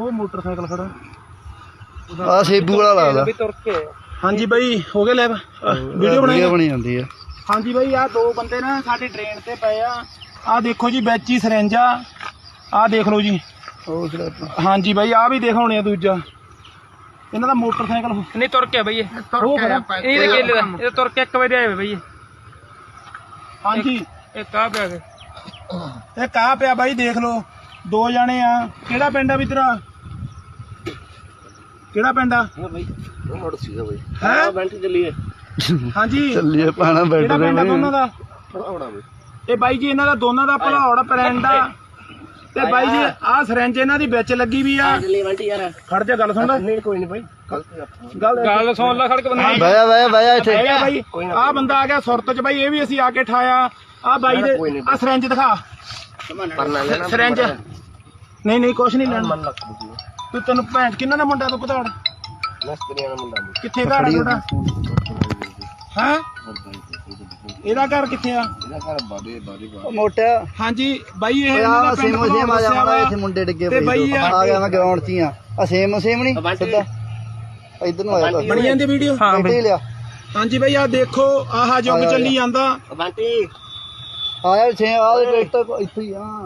ਉਹ ਮੋਟਰਸਾਈਕਲ ਖੜਾ ਆ ਸੇਬੂ ਵਾਲਾ ਲੱਗਦਾ ਵੀ ਤੁਰ ਕੇ। ਹਾਂਜੀ ਬਾਈ ਹੋ ਗਿਆ ਲੈਬ ਵੀਡੀਓ ਬਣੀ ਜਾਂਦੀ ਆ। ਹਾਂਜੀ ਬਾਈ ਆ ਦੋ ਬੰਦੇ ਨਾ ਸਾਡੀ ਟ੍ਰੇਨ ਤੇ ਪਏ ਆ ਦੇਖੋ ਜੀ ਵਿੱਚ ਹੀ ਸਿਰੰਜ ਆ ਦੇਖ ਲਓ ਜੀ। ਹਾਂਜੀ ਬਾਈ ਆ ਵੀ ਦਿਖਾਉਣੇ ਆ ਦੂਜਾ ਇਹਨਾਂ ਦਾ ਮੋਟਰਸਾਈਕਲ ਨਹੀਂ ਤੁਰ ਕੇ ਬਈ ਇਹ ਕੇਲੇ ਦਾ ਇਹ ਤੁਰ ਕੇ 1 ਵਜੇ ਆਏ ਬਈ। ਹਾਂਜੀ ਇਹ ਕਾਹ ਪਿਆ ਬਾਈ ਦੇਖ ਲਓ ਦੋ ਜਾਣੇ ਆ। ਕਿਹੜਾ ਪਿੰਡ ਆ ਵੀ ਤੇਰਾ ਕਿਹੜਾ ਪਿੰਡ ਆ ਚੱਲੀਏ। ਹਾਂਜੀ ਚੱਲੀਏ ਪਾਣਾ ਕਿਹੜਾ ਪਿੰਡ ਆ ਦੋਨਾਂ ਦਾ ਇਹ ਬਾਈ ਜੀ ਇਹਨਾਂ ਦਾ ਦੋਨਾਂ ਦਾ ਭਲੌੜ ਪਿੰਡ ਆ ਤੇ ਬਾਈ ਜੀ ਆਹ ਸਿਰੰਜ ਇਹਨਾਂ ਦੀ ਵਿੱਚ ਲੱਗੀ ਵੀ ਆ। ਖੜ ਜਾ ਗੱਲ ਸੁਣ ਲੈ ਕੋਈ ਨਹੀਂ ਬਾਈ ਗੱਲ ਸੁਣ ਲੈ ਖੜ ਕੇ ਬੰਦਾ ਬਾਇਆ ਇੱਥੇ ਬਾਈ ਆਹ ਬੰਦਾ ਆ ਗਿਆ ਸੁਰਤ ਚ ਬਾਈ ਇਹ ਵੀ ਅਸੀਂ ਆ ਕੇ ਠਾਇਆ ਆ ਬਾਈ ਦੇ ਆ ਸਿਰੰਜ ਦਿਖਾ ਸਿਰੰਜ ਨਹੀਂ ਕੁਛ ਨਹੀਂ ਲੈਣਾ ਤੂੰ ਤੈਨੂੰ ਭੈਣ ਕਿੰਨਾ ਦਾ ਮੁੰਡਾ ਤੂੰ ਪਤਾੜ ਕਿੱਥੇ ਘਰ ਆ ਤੁਹਾਡਾ ਹੈ ਇਹਦਾ ਘਰ ਕਿੱਥੇ ਆ ਮੋਟਾ। ਹਾਂਜੀ ਬਾਈ ਇਹ ਇਹਨਾਂ ਦਾ ਸੇਮ ਆ ਜਾਣਾ ਇੱਥੇ ਮੁੰਡੇ ਡਿੱਗੇ ਤੇ ਬਾਈ ਆ ਗਿਆ ਮੈਂ ਗਰਾਊਂਡ 'ਚ ਹੀ ਆ ਸੇਮ ਨਹੀਂ ਸਿੱਧਾ ਇੱਧਰ ਨੂੰ ਆਇਆ ਬਣੀ ਜਾਂਦੀ ਵੀਡੀਓ। ਹਾਂ ਬਈ ਲਿਆ। ਹਾਂਜੀ ਬਾਈ ਆ ਦੇਖੋ ਆਹ ਜੁਗ ਚੱਲੀ ਜਾਂਦਾ ਆਇਆ ਛੇ ਆ ਟਰੈਕਟਰ ਇੱਥੇ ਹੀ ਆ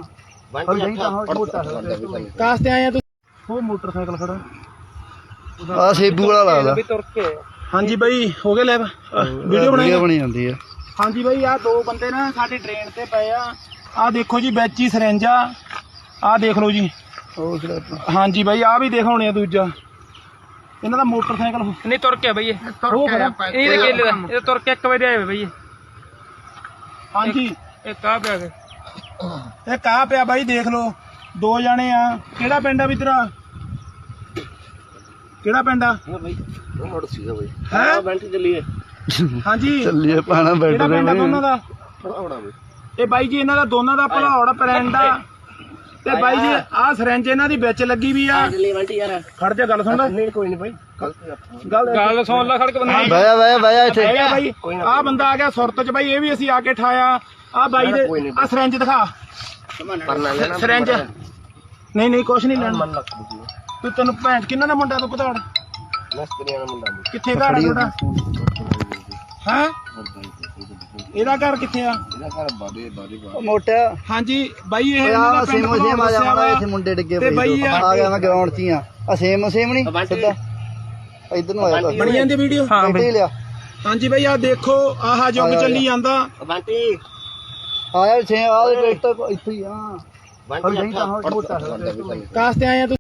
ਕਾਸ ਤੇ ਆਏ ਆ ਤੁਸੀਂ ਉਹ ਮੋਟਰਸਾਈਕਲ ਖੜਾ ਆ ਸੇਬੂ ਵਾਲਾ ਲੱਗਦਾ ਵੀ ਤੁਰ ਕੇ। ਹਾਂਜੀ ਬਾਈ ਹੋ ਗਿਆ ਲੈਬ ਵੀਡੀਓ ਬਣੀ ਜਾਂਦੀ ਆ। ਹਾਂਜੀ ਬਾਈ ਆ ਦੋ ਬੰਦੇ ਨਾ ਸਾਡੀ ਟ੍ਰੇਨ ਤੇ ਪਏ ਆ ਦੇਖੋ ਜੀ ਵਿੱਚ ਹੀ ਸਿਰੰਜ ਆ ਦੇਖ ਲਓ ਜੀ। ਹਾਂਜੀ ਬਾਈ ਆ ਵੀ ਦਿਖਾਉਣੇ ਆ ਦੂਜਾ ਇਹਨਾਂ ਦਾ ਮੋਟਰਸਾਈਕਲ ਨਹੀਂ ਤੁਰ ਕੇ ਬਈ ਇਹ ਕੇਲੇ ਦਾ ਇਹ ਤੁਰ ਕੇ 1 ਵਜੇ ਆਏ ਬਈ। ਹਾਂਜੀ ਇਹ ਕਾਹ ਪਿਆ ਬਾਈ ਦੇਖ ਲਓ ਦੋ ਜਾਣੇ ਆ। ਕਿਹੜਾ ਪਿੰਡ ਆ ਵੀ ਤੇਰਾ ਕਿਹੜਾ ਪਿੰਡ ਆ ਚੱਲੀਏ। ਹਾਂਜੀ ਚੱਲੀਏ ਪਾਣਾ ਕਿਹੜਾ ਪਿੰਡ ਆ ਦੋਨਾਂ ਦਾ ਇਹ ਬਾਈ ਜੀ ਇਹਨਾਂ ਦਾ ਦੋਨਾਂ ਦਾ ਭਲੌੜ ਪਿੰਡ ਆ ਤੇ ਬਾਈ ਜੀ ਆਹ ਸਿਰੰਜ ਇਹਨਾਂ ਦੀ ਵਿੱਚ ਲੱਗੀ ਵੀ ਆ। ਖੜ ਜਾ ਗੱਲ ਸੁਣ ਲੈ ਕੋਈ ਨਹੀਂ ਬਾਈ ਗੱਲ ਸੁਣ ਲੈ ਖੜ ਕੇ ਬੰਦਾ ਬਾਇਆ ਇੱਥੇ ਬਾਈ ਆਹ ਬੰਦਾ ਆ ਗਿਆ ਸੁਰਤ ਚ ਬਾਈ ਇਹ ਵੀ ਅਸੀਂ ਆ ਕੇ ਠਾਇਆ ਆ ਬਾਈ ਦੇ ਆ ਸਿਰੰਜ ਦਿਖਾ ਸਿਰੰਜ ਨਹੀਂ ਕੁਛ ਨਹੀਂ ਲੈਣਾ ਤੂੰ ਤੈਨੂੰ ਭੈਣ ਕਿੰਨਾ ਦਾ ਮੁੰਡਾ ਤੂੰ ਪਤਾੜ ਕਿੱਥੇ ਘਰ ਆ ਤੁਹਾਡਾ ਹੈ ਇਹਦਾ ਘਰ ਕਿੱਥੇ ਆ ਮੋਟਾ। ਹਾਂਜੀ ਬਾਈ ਇਹ ਸੇਮ ਆ ਜਾਣਾ ਇੱਥੇ ਮੁੰਡੇ ਡਿੱਗੇ ਆ ਗਿਆ ਮੈਂ ਗਰਾਊਂਡ 'ਚ ਹੀ ਆ ਸੇਮ ਨਹੀਂ ਸਿੱਧਾ ਇੱਧਰ ਨੂੰ ਆਇਆ ਬਣੀ ਜਾਂਦੀ ਵੀਡੀਓ। ਲਿਆ। ਹਾਂਜੀ ਬਾਈ ਆ ਦੇਖੋ ਆਹ ਜੁਗ ਚੱਲੀ ਜਾਂਦਾ ਆਇਆ ਛੇ ਆ ਟਰੈਕਟਰ ਇੱਥੇ ਹੀ ਆ ਕਾਸ ਤੇ ਆਏ ਆ।